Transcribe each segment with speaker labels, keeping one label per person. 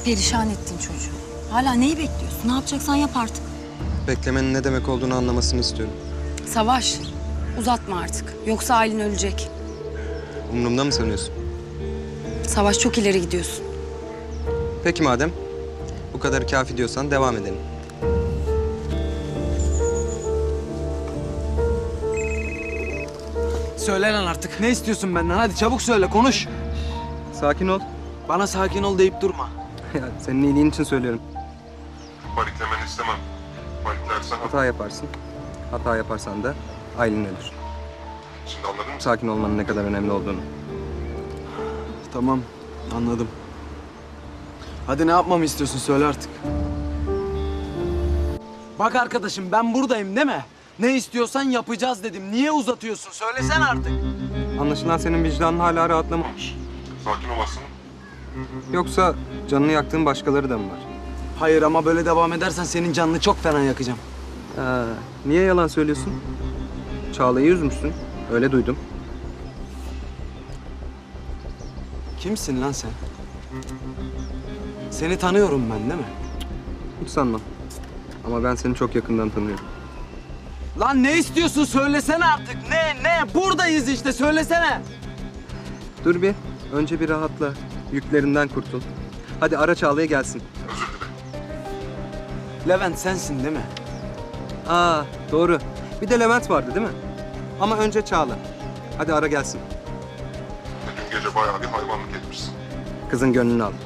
Speaker 1: Perişan ettin çocuğu. Hala neyi bekliyorsun? Ne yapacaksan yap artık.
Speaker 2: Beklemenin ne demek olduğunu anlamasını istiyorum.
Speaker 1: Savaş, uzatma artık. Yoksa Aylin ölecek.
Speaker 2: Umurumda mı sanıyorsun?
Speaker 1: Savaş, çok ileri gidiyorsun.
Speaker 2: Peki madem bu kadar kafi diyorsan devam edelim.
Speaker 3: Söyle lan artık. Ne istiyorsun benden? Hadi çabuk söyle, konuş.
Speaker 2: Sakin ol.
Speaker 3: Bana sakin ol deyip durma.
Speaker 2: Ya, senin iyiliğin için söylüyorum.
Speaker 4: Paniklemeni istemem. Paniklersen
Speaker 2: Hata yaparsın. Hata yaparsan da Aylin ölür.
Speaker 4: şimdi anladın mı?
Speaker 2: Sakin olmanın ne kadar önemli olduğunu.
Speaker 3: Tamam, anladım. Hadi ne yapmamı istiyorsun? Söyle artık. Bak arkadaşım, ben buradayım değil mi? Ne istiyorsan yapacağız dedim. Niye uzatıyorsun? Söylesene artık.
Speaker 2: Anlaşılan senin vicdanın hala rahatlamamış.
Speaker 4: Sakin olasın.
Speaker 2: Yoksa canını yaktığın başkaları da mı var?
Speaker 3: Hayır ama böyle devam edersen senin canını çok fena yakacağım.
Speaker 2: Niye yalan söylüyorsun? Çağla'yı üzmüşsün. Öyle duydum.
Speaker 3: Kimsin lan sen? Seni tanıyorum ben değil mi?
Speaker 2: Hiç sanmam. Ama ben seni çok yakından tanıyorum.
Speaker 3: Lan ne istiyorsun? Söylesene artık. Ne? Buradayız işte. Söylesene.
Speaker 2: Dur bir. Önce bir rahatla. Yüklerinden kurtul. Hadi ara Çağla'ya gelsin.
Speaker 4: Özür dile.
Speaker 3: Levent sensin değil mi?
Speaker 2: Doğru. Bir de Levent vardı değil mi? Ama önce Çağla. Hadi ara gelsin.
Speaker 4: Dün gece bayağı bir hayvanlık etmişsin.
Speaker 2: Kızın gönlünü al.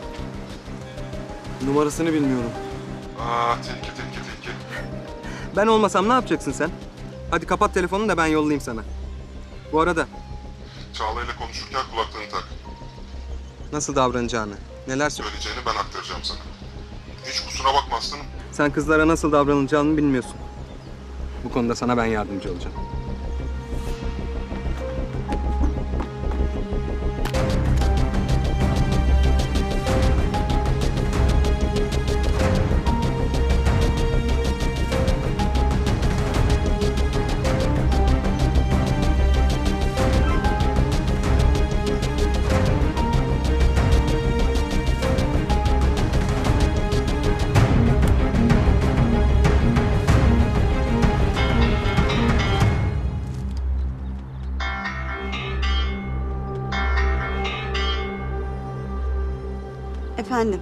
Speaker 3: Numarasını bilmiyorum.
Speaker 4: Tilki.
Speaker 2: Ben olmasam ne yapacaksın sen? Hadi kapat telefonunu da ben yollayayım sana. Bu arada
Speaker 4: Çağla ile konuşurken kulaklığını tak.
Speaker 2: nasıl davranacağını, neler söyle.
Speaker 4: Söyleyeceğini ben aktaracağım sana. Hiç kusura bakmazsın.
Speaker 2: Sen kızlara nasıl davranılacağını bilmiyorsun. Bu konuda sana ben yardımcı olacağım.
Speaker 5: Efendim?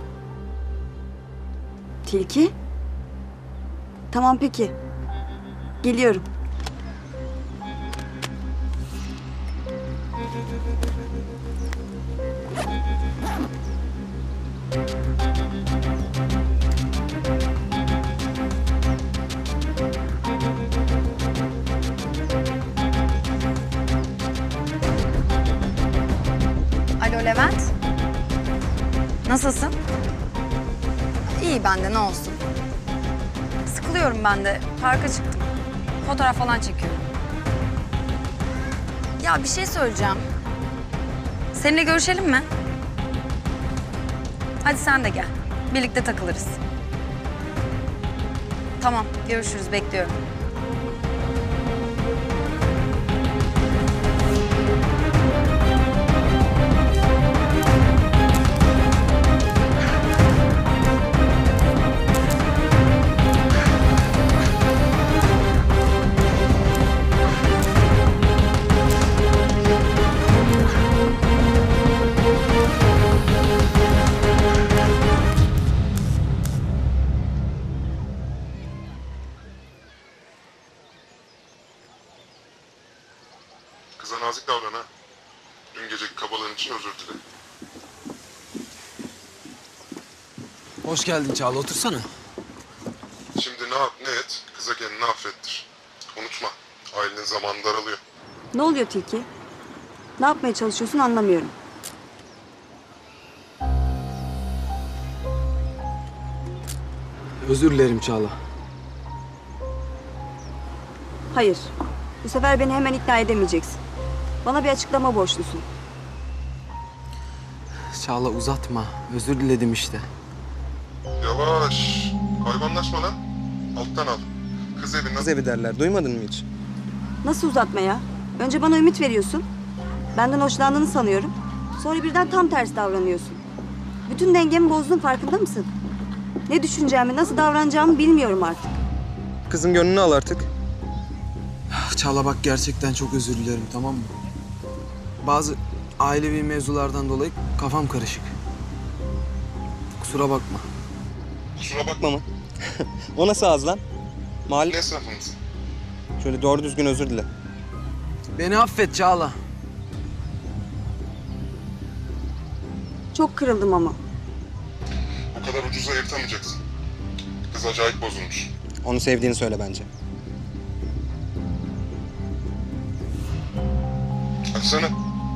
Speaker 5: Tilki? Tamam peki. Geliyorum.
Speaker 1: Alo Levent. Nasılsın? İyi ben de, ne olsun. Sıkılıyorum ben de. Parka çıktım. Fotoğraf falan çekiyorum. Ya bir şey söyleyeceğim. Seninle görüşelim mi? Hadi sen de gel. Birlikte takılırız. Tamam, görüşürüz. Bekliyorum.
Speaker 4: Kıza nazik davran ha. Dün geceki kabalığın için özür dile.
Speaker 3: Hoş geldin Çağla. Otursana.
Speaker 4: Şimdi ne yap ne et, kıza kendini affettir. Unutma, ailenin zamanı daralıyor.
Speaker 5: Ne oluyor Tilki? Ne yapmaya çalışıyorsun anlamıyorum.
Speaker 3: Özür dilerim Çağla.
Speaker 5: Hayır. Bu sefer beni hemen ikna edemeyeceksin. Bana bir açıklama borçlusun.
Speaker 3: Çağla uzatma. Özür diledim işte.
Speaker 4: Yavaş, hayvanlaşma lan. Alttan al. Kız evinden...
Speaker 2: Kız evi derler. Duymadın mı hiç?
Speaker 5: Nasıl uzatma ya? Önce bana ümit veriyorsun. Benden hoşlandığını sanıyorum. Sonra birden tam tersi davranıyorsun. Bütün dengemi bozdun, farkında mısın? Ne düşüneceğimi, nasıl davranacağımı bilmiyorum artık.
Speaker 2: Kızın gönlünü al artık.
Speaker 3: Çağla bak gerçekten çok özür dilerim, tamam mı? Bazı ailevi mevzulardan dolayı kafam karışık. Kusura bakma.
Speaker 4: Kusura bakma.
Speaker 2: Bakma mı? O nasıl ağız lan? Mahalle...
Speaker 4: Ne esnafımız?
Speaker 2: Şöyle doğru düzgün özür dile.
Speaker 3: Beni affet Çağla.
Speaker 5: Çok kırıldım ama.
Speaker 4: O kadar ucuza yırtamayacaksın. Kız acayip bozulmuş.
Speaker 2: Onu sevdiğini söyle bence.
Speaker 4: Açsana.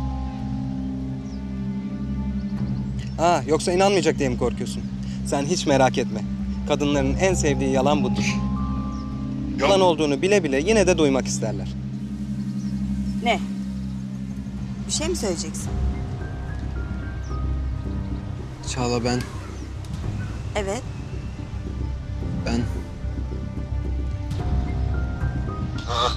Speaker 2: Ha, yoksa inanmayacak diye mi korkuyorsun? Sen hiç merak etme. Kadınların en sevdiği yalan budur. Yalan olduğunu bile bile yine de duymak isterler.
Speaker 5: Ne? Bir şey mi söyleyeceksin?
Speaker 3: Çağla ben
Speaker 5: Evet.
Speaker 4: Ha,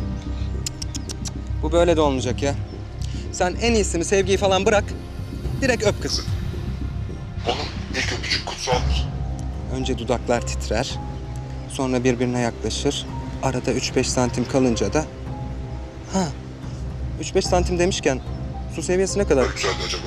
Speaker 2: Bu böyle de olmayacak ya. Sen en iyisini, sevgiyi falan bırak. Direkt öp kızı.
Speaker 4: oğlum ilk öpücük kutsaldır.
Speaker 2: Önce dudaklar titrer. Sonra birbirine yaklaşır. Arada 3-5 santim kalınca da... Ha, 3-5 santim demişken su seviyesi ne kadar?
Speaker 4: Ne güzeldi acaba?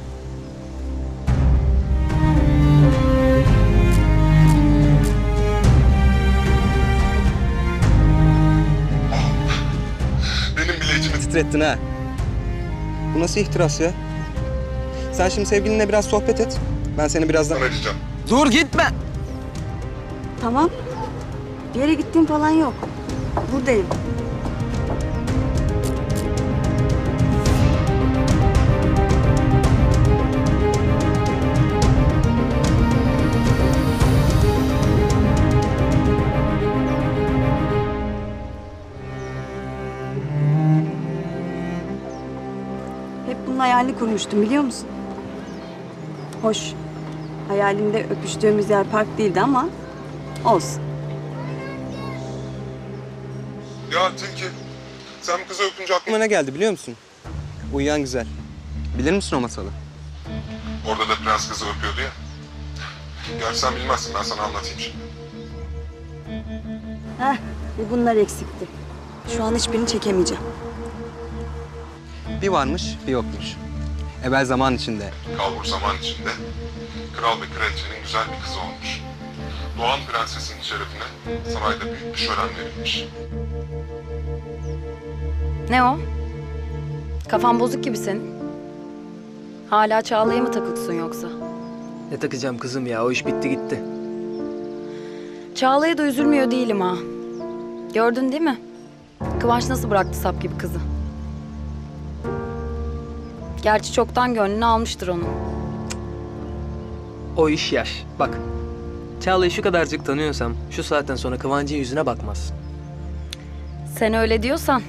Speaker 4: Benim bile içimi
Speaker 2: Titrettin ha. Bu nasıl ihtiras ya? Sen şimdi sevgilinle biraz sohbet et. Ben seni birazdan...
Speaker 4: arayacağım.
Speaker 3: Dur gitme.
Speaker 5: Tamam. Bir yere gittiğim falan yok. Buradayım. Hep bunun hayalini kurmuştum, biliyor musun? Hoş. Hayalimde öpüştüğümüz yer park değildi ama olsun.
Speaker 4: Ya Tilki, sen bu kızı öpünce aklıma...
Speaker 2: Aklıma ne geldi biliyor musun? Uyuyan güzel. Bilir misin o masalı?
Speaker 4: Orada da prens kızı öpüyordu ya. Gerçi sen bilmezsin, ben sana anlatayım şimdi.
Speaker 5: Heh, bir bunlar eksikti. Şu an hiçbirini çekemeyeceğim.
Speaker 2: Bir varmış, bir yokmuş. Evvel zaman içinde.
Speaker 4: Kalbur zaman içinde kral ve kraliçenin güzel bir kızı olmuş. Doğan prensesin şerefine sarayda büyük bir şölen verilmiş.
Speaker 1: Ne o? Kafan bozuk gibi senin. Hala Çağla'ya mı takılsın yoksa?
Speaker 3: Ne takacağım kızım ya, o iş bitti gitti.
Speaker 1: Çağla'ya da üzülmüyor değilim ha. Gördün değil mi? Kıvanç nasıl bıraktı sap gibi kızı. Gerçi çoktan gönlünü almıştır onun.
Speaker 6: O iş yaş. Bak, Çağla'yı şu kadarcık tanıyorsam şu saatten sonra Kıvancı'nın yüzüne bakmaz.
Speaker 1: Sen öyle diyorsan.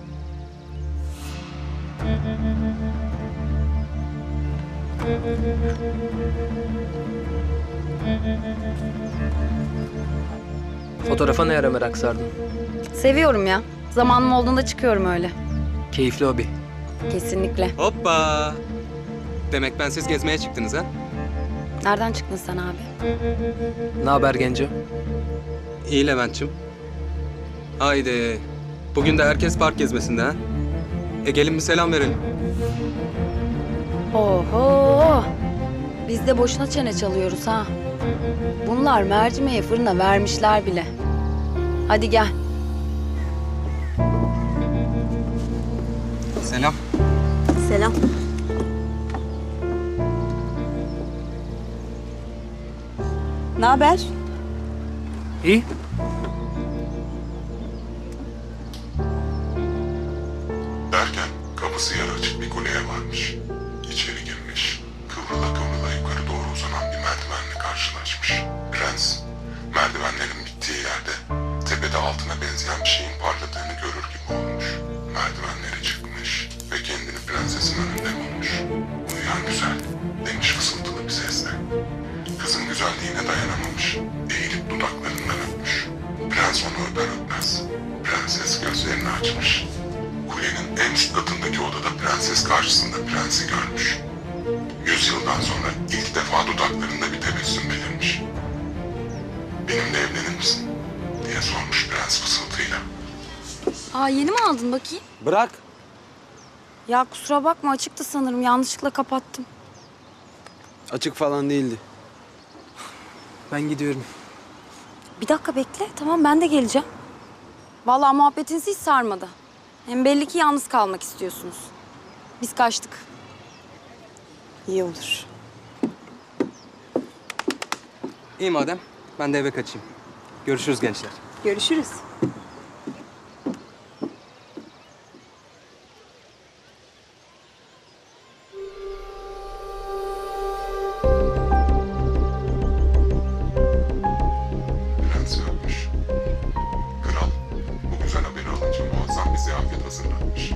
Speaker 6: Fotoğrafa ne ara merak sardın?
Speaker 1: Seviyorum ya. Zamanım olduğunda çıkıyorum öyle.
Speaker 6: Keyifli hobi.
Speaker 1: Kesinlikle.
Speaker 2: Hoppa! Demek bensiz gezmeye çıktınız ha?
Speaker 1: Nereden çıktın sen abi?
Speaker 6: Ne haber Genco?
Speaker 2: İyi Levent'cim. Haydi. Bugün de herkes park gezmesinde ha? Gelin bir selam verelim.
Speaker 1: Oho! Biz de boşuna çene çalıyoruz ha. Bunlar mercimeği fırına vermişler bile. Hadi gel.
Speaker 2: Selam.
Speaker 5: Selam. Ne haber?
Speaker 6: İyi.
Speaker 4: Derken kapısı yarı açık bir kuleye varmış. İçeri girmiş. Kıvrıla kıvrıla yukarı doğru uzanan bir merdivenle karşılaşmış. Prens, merdivenlerin bittiği yerde tepede altına benzeyen bir şeyin parladığını görür gibi olmuş. Merdivenlere çıkmış ve kendini prensesin önünde bulmuş. Uyuyan güzel, demiş fısıltılı bir sesle. Kızın güzelliğine dayanamamış. Eğilip dudaklarından öpmüş. Prens onu öper öpmez. Prenses gözlerini açmış. Kulenin en üst katındaki odada prenses karşısında prensi görmüş. 100 yıldan sonra ilk defa dudaklarında bir tebessüm belirmiş. Benimle evlenir misin? Diye sormuş prens fısıltıyla.
Speaker 1: Aa, yeni mi aldın bakayım?
Speaker 3: Bırak.
Speaker 1: Ya kusura bakma, açıktı sanırım. Yanlışlıkla kapattım.
Speaker 3: Açık falan değildi. Ben gidiyorum.
Speaker 1: Bir dakika bekle. Tamam, ben de geleceğim. Vallahi muhabbetiniz hiç sarmadı. Hem belli ki yalnız kalmak istiyorsunuz. Biz kaçtık.
Speaker 5: İyi olur.
Speaker 2: İyi madem. Ben de eve kaçayım. Görüşürüz gençler.
Speaker 5: Görüşürüz.
Speaker 4: Prens ölmüş. Kral bu güzel haberi alınca muazzam bir ziyafet hazırlanmış.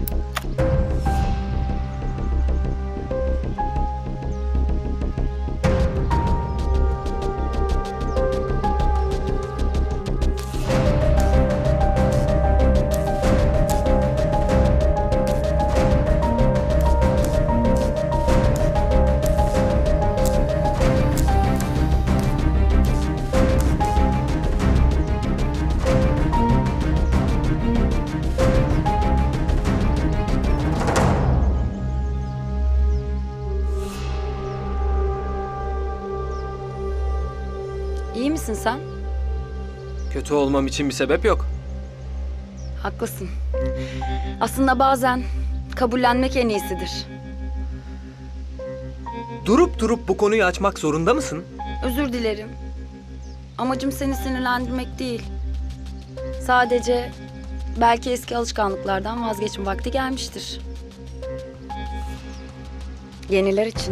Speaker 1: İyi misin sen?
Speaker 6: Kötü olmam için bir sebep yok.
Speaker 1: Haklısın. Aslında bazen kabullenmek en iyisidir.
Speaker 6: Durup durup bu konuyu açmak zorunda mısın?
Speaker 1: Özür dilerim. Amacım seni sinirlendirmek değil. Sadece belki eski alışkanlıklardan vazgeçme vakti gelmiştir. Yeniler için.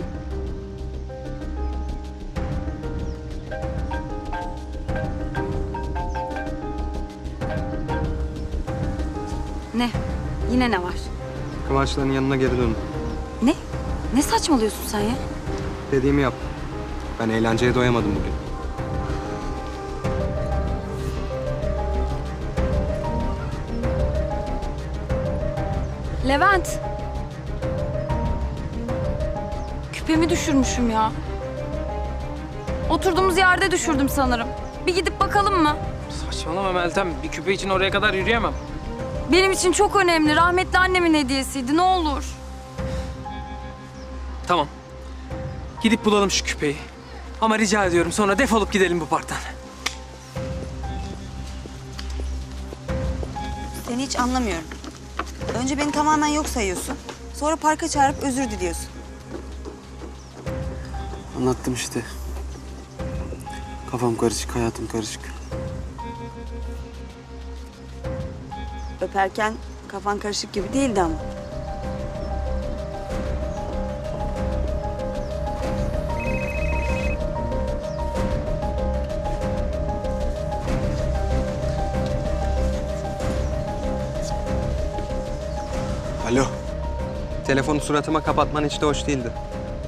Speaker 1: Ne? Yine ne var?
Speaker 2: Kıvançların yanına geri dön.
Speaker 1: Ne? Ne saçmalıyorsun sen ya?
Speaker 2: Dediğimi yap. Ben eğlenceye doyamadım bugün.
Speaker 1: Levent. Küpemi düşürmüşüm ya. Oturduğumuz yerde düşürdüm sanırım. Bir gidip bakalım mı?
Speaker 6: Saçmalama Meltem. Bir küpe için oraya kadar yürüyemem.
Speaker 1: Benim için çok önemli. Rahmetli annemin hediyesiydi. Ne olur.
Speaker 6: Tamam. Gidip bulalım şu küpeyi. Ama rica ediyorum sonra defolup gidelim bu parktan.
Speaker 5: Seni hiç anlamıyorum. Önce beni tamamen yok sayıyorsun. Sonra parka çağırıp özür diliyorsun.
Speaker 3: Anlattım işte. Kafam karışık, hayatım karışık.
Speaker 5: Öperken kafan karışık gibi değildi ama.
Speaker 3: Alo.
Speaker 2: Telefonu suratıma kapatman hiç de hoş değildi.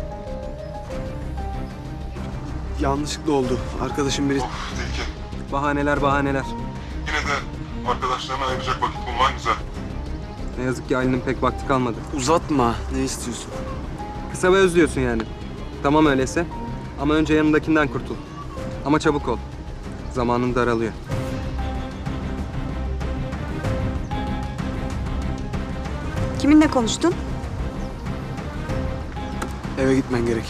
Speaker 3: Yanlışlıkla oldu. Arkadaşım biri...
Speaker 4: Of Tilki.
Speaker 2: Bahaneler bahaneler.
Speaker 4: Yine de arkadaşlarına ayıracak vakit bulman güzel.
Speaker 2: Ne yazık ki Ali'nin pek vakti kalmadı.
Speaker 3: Uzatma. Ne istiyorsun?
Speaker 2: Kısa ve öz diyorsun yani. Tamam öyleyse. Ama önce yanındakinden kurtul. Ama çabuk ol. Zamanın daralıyor.
Speaker 5: Kiminle konuştun?
Speaker 3: Eve gitmen gerek.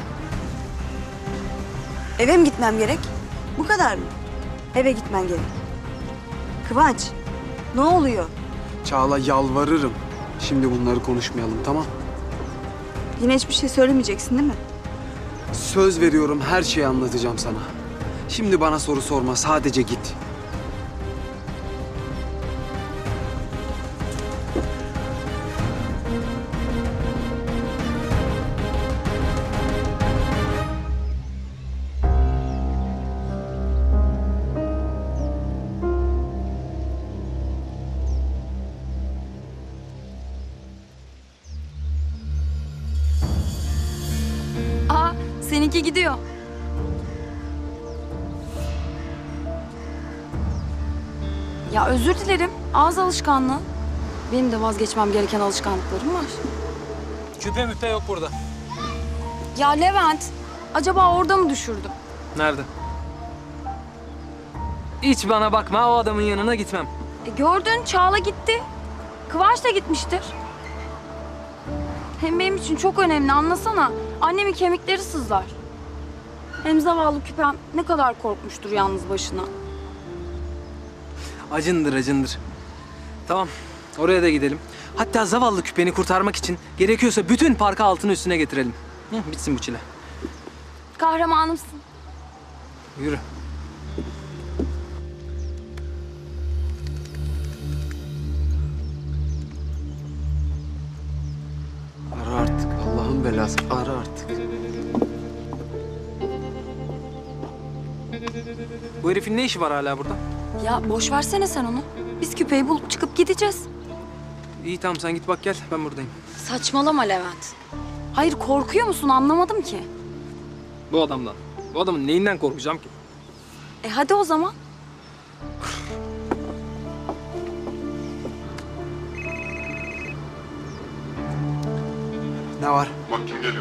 Speaker 5: Eve mi gitmem gerek? Bu kadar mı? Eve gitmen gerek. Kıvanç, ne oluyor?
Speaker 3: Çağla yalvarırım. Şimdi bunları konuşmayalım, tamam?
Speaker 5: Yine hiçbir şey söylemeyeceksin değil mi?
Speaker 3: Söz veriyorum, her şeyi anlatacağım sana. Şimdi bana soru sorma, sadece git.
Speaker 1: Aa, seninki gidiyor. Ya özür dilerim. Ağız alışkanlığı. Benim de vazgeçmem gereken alışkanlıklarım var.
Speaker 6: Küpe müpe yok burada.
Speaker 1: Ya Levent, acaba orada mı düşürdüm?
Speaker 6: Nerede? Hiç bana bakma, o adamın yanına gitmem.
Speaker 1: Gördün, Çağla gitti. Kıvanç da gitmiştir. Hem benim için çok önemli, anlasana. Annemin kemikleri sızlar. Hem zavallı küpem ne kadar korkmuştur yalnız başına.
Speaker 6: Acındır, acındır. Tamam, oraya da gidelim. Hatta zavallı küpeni kurtarmak için gerekiyorsa bütün parkı altını üstüne getirelim. Bitsin bu çile.
Speaker 1: Kahramanımsın.
Speaker 6: Yürü.
Speaker 3: Ara artık. Allah'ın belası. Ara artık.
Speaker 6: Bu herifin ne işi var hala burada?
Speaker 1: Ya boş versene sen onu. Biz küpeyi bulup çıkıp gideceğiz.
Speaker 6: İyi tamam, sen git bak gel, ben buradayım.
Speaker 1: Saçmalama Levent. Hayır, korkuyor musun, anlamadım ki.
Speaker 6: Bu adamdan. Bu adamın neyinden korkacağım ki?
Speaker 1: Hadi o zaman.
Speaker 3: Ne var?
Speaker 4: Bak kim geliyor.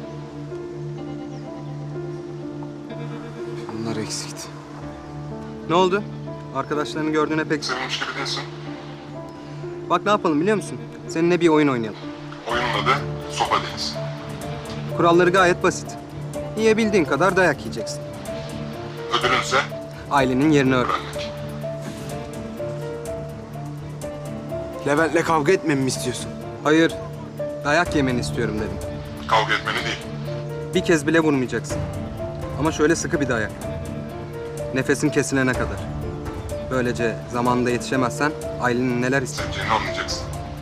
Speaker 3: Bunlar eksikti.
Speaker 2: Ne oldu? Arkadaşlarını gördüğüne pek...
Speaker 4: Sevinmiş gibi değilsin.
Speaker 2: Bak ne yapalım biliyor musun? Seninle bir oyun oynayalım.
Speaker 4: Oyunun adı Sopa Deniz.
Speaker 2: Kuralları gayet basit. Yiyebildiğin kadar dayak yiyeceksin.
Speaker 4: Ödülünse
Speaker 2: Ailenin yerini öğren.
Speaker 4: öğrenmek.
Speaker 3: Levent'le kavga etmemi mi istiyorsun?
Speaker 2: Hayır, dayak yemeni istiyorum dedim.
Speaker 4: Kavga etmeni değil.
Speaker 2: Bir kez bile vurmayacaksın. Ama şöyle sıkı bir dayak. Nefesin kesilene kadar. Böylece zamanında yetişemezsen ailenin neler ister.
Speaker 4: Seveceğini anlayacaksın.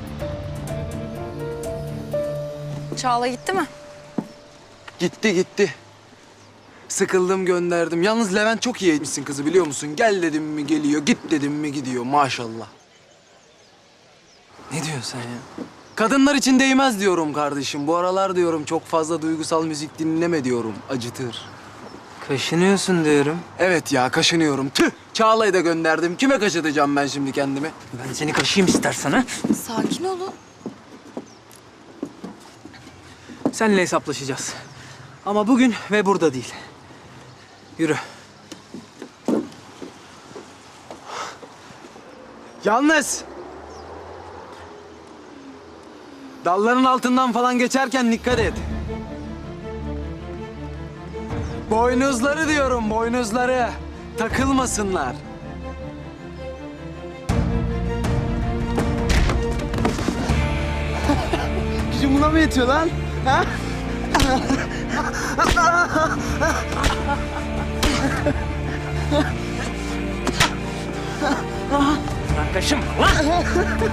Speaker 1: Çağla gitti mi?
Speaker 3: Gitti gitti. Sıkıldım gönderdim. Yalnız Levent çok iyi etmişsin kızı biliyor musun? Gel dedim mi geliyor, git dedim mi gidiyor maşallah.
Speaker 6: Ne diyorsun sen ya?
Speaker 3: Kadınlar için değmez diyorum kardeşim. Bu aralar diyorum çok fazla duygusal müzik dinleme diyorum. Acıtır.
Speaker 6: Kaşınıyorsun diyorum.
Speaker 3: Evet ya kaşınıyorum. Tüh! Çağla'yı da gönderdim. Kime kaşıtacağım ben şimdi kendimi?
Speaker 6: Ben seni kaşıyım istersen ha.
Speaker 1: Sakin olun.
Speaker 6: Seninle hesaplaşacağız. Ama bugün ve burada değil. Yürü.
Speaker 3: Yalnız! Dalların altından falan geçerken dikkat et. Boynuzları diyorum, boynuzları. Takılmasınlar. Gücüm buna mı yetiyor lan? Ha?
Speaker 6: Lan kaşınma lan.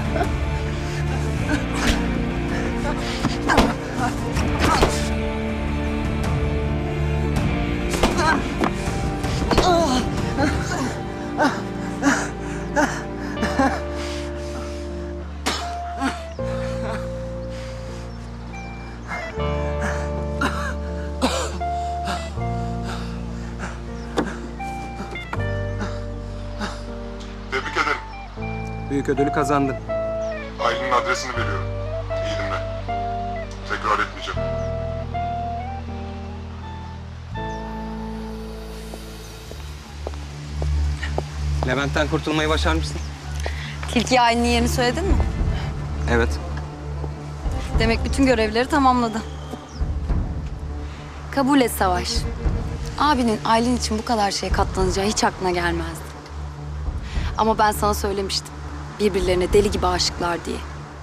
Speaker 4: Tebrik ederim.
Speaker 2: Büyük ödülü kazandın.
Speaker 4: Ailenin adresini veriyorum. İyi dinle. Tekrar etmeyeceğim.
Speaker 2: Levent'ten kurtulmayı başarmışsın.
Speaker 1: Tilki ailenin yerini söyledin mi?
Speaker 2: Evet.
Speaker 1: Demek bütün görevleri tamamladı. Kabul et Savaş. Abinin ailen için bu kadar şeye katlanacağı hiç aklına gelmezdi. Ama ben sana söylemiştim. Birbirlerine deli gibi aşıklar diye.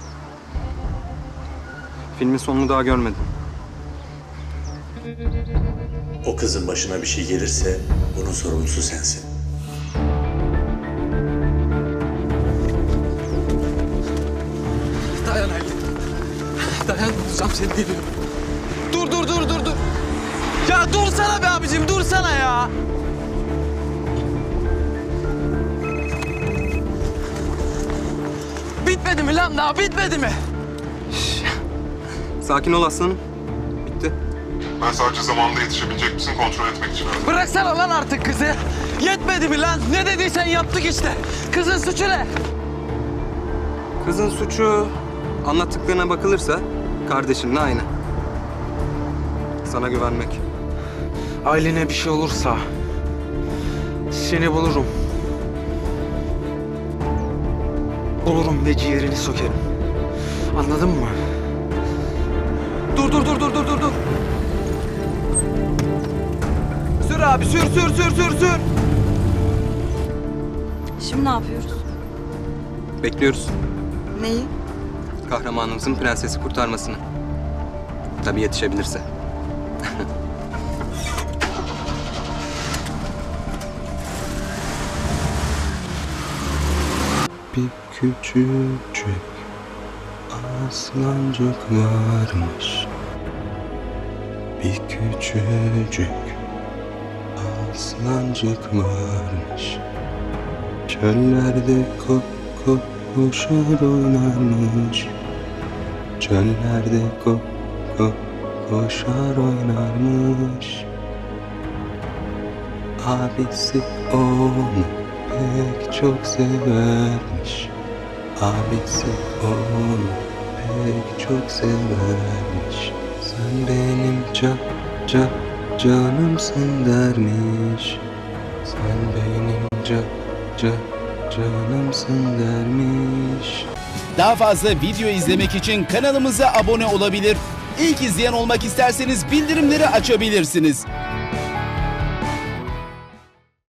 Speaker 2: Filmin sonunu daha görmedim.
Speaker 7: O kızın başına bir şey gelirse bunun sorumlusu sensin.
Speaker 3: Dayan Ali. Dayan, tutacağım seni geliyorum. Dur. Ya dursana be abicim, dursana ya. Bitmedi mi lan daha, bitmedi mi?
Speaker 2: Sakin ol aslanım. Bitti.
Speaker 4: Ben sadece zamanında yetişebilecek misin kontrol etmek için aradım.
Speaker 3: Bıraksana lan artık kızı. Yetmedi mi lan? Ne dediysen yaptık işte. Kızın suçu ne?
Speaker 2: Kızın suçu anlattıklarına bakılırsa kardeşinle aynı. Sana güvenmek.
Speaker 3: Aylin'e bir şey olursa seni bulurum. Bulurum ve ciğerini sökerim. Anladın mı? Dur. Sür abi, sür.
Speaker 5: Şimdi ne yapıyoruz?
Speaker 2: Bekliyoruz.
Speaker 5: Neyi?
Speaker 2: Kahramanımızın prensesi kurtarmasını. Tabii yetişebilirse. Bir küçücük aslancık varmış. Bir küçücük aslancık varmış. Çöllerde koşar oynarmış. Çöllerde koşar oynarmış. Abisi onu pek çok severmiş. Abisi onu pek çok severmiş. Sen benim canımsın dermiş. Sen benim canımsın dermiş.
Speaker 8: Daha fazla video izlemek için kanalımıza abone olabilir. İlk izleyen olmak isterseniz bildirimleri açabilirsiniz.